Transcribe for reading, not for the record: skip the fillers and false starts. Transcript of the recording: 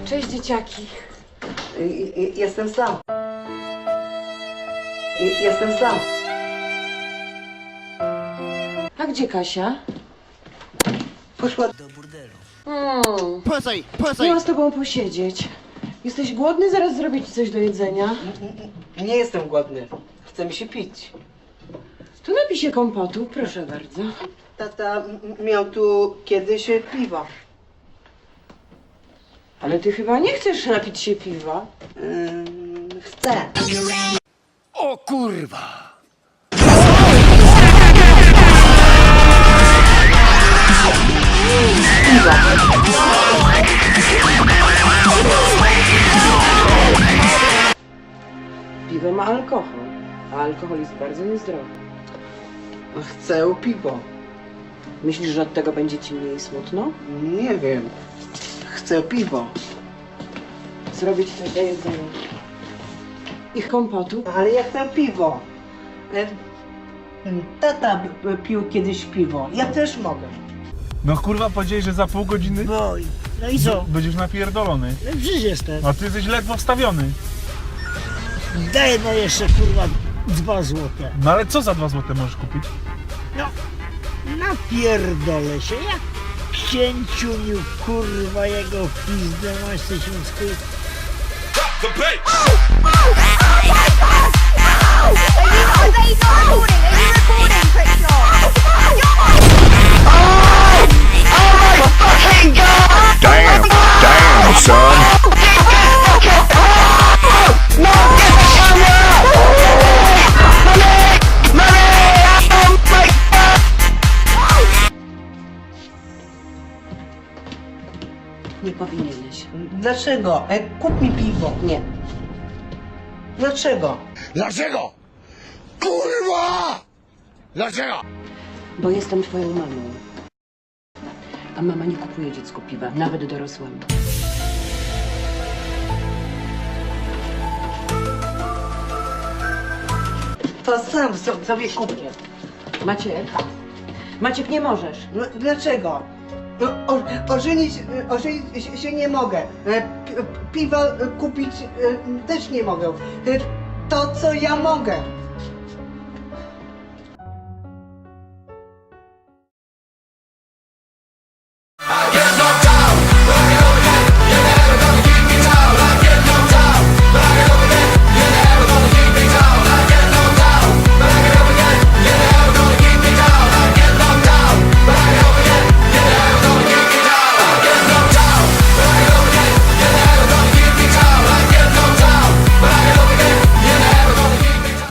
Cześć, dzieciaki. Jestem sam. Jestem sam. A gdzie Kasia? Poszła do burdelu. Miałam z tobą posiedzieć. Jesteś głodny? Zaraz zrobię ci coś do jedzenia. Nie jestem głodny. Chce mi się pić. Tu napij się kompotu, proszę bardzo. Tata miał tu kiedyś piwo. Ale ty chyba nie chcesz napić się piwa. Chcę. O kurwa! Piwo ma alkohol, a alkohol jest bardzo niezdrowy. Chcę piwo. Myślisz, że od tego będzie ci mniej smutno? Nie wiem. Chcę piwo. Zrobię ci coś do jedzenia. Ich kompotu? Ale ja chcę piwo. Tata pił kiedyś piwo. Ja też mogę. No kurwa, powiedziałeś, że za pół godziny No i co? będziesz napierdolony. No przecież jestem. A ty jesteś ledwo wstawiony. Daj no jeszcze kurwa 2 złote. No ale co za 2 złote możesz kupić? No, napierdolę się jak księciuniu kurwa jego pizdę masz tysiącku. Are they not recording? Are you recording, Crickshaw? Damn, son. Nie powinieneś. Dlaczego? Kup mi piwo. Nie. Dlaczego? Dlaczego? Kurwa! Dlaczego? Bo jestem twoją mamą. A mama nie kupuje dziecku piwa, nawet dorosłemu. To sam sobie kupię. Maciek, nie możesz. No, dlaczego? No, ożenić się nie mogę. Piwa kupić też nie mogę. To, co ja mogę.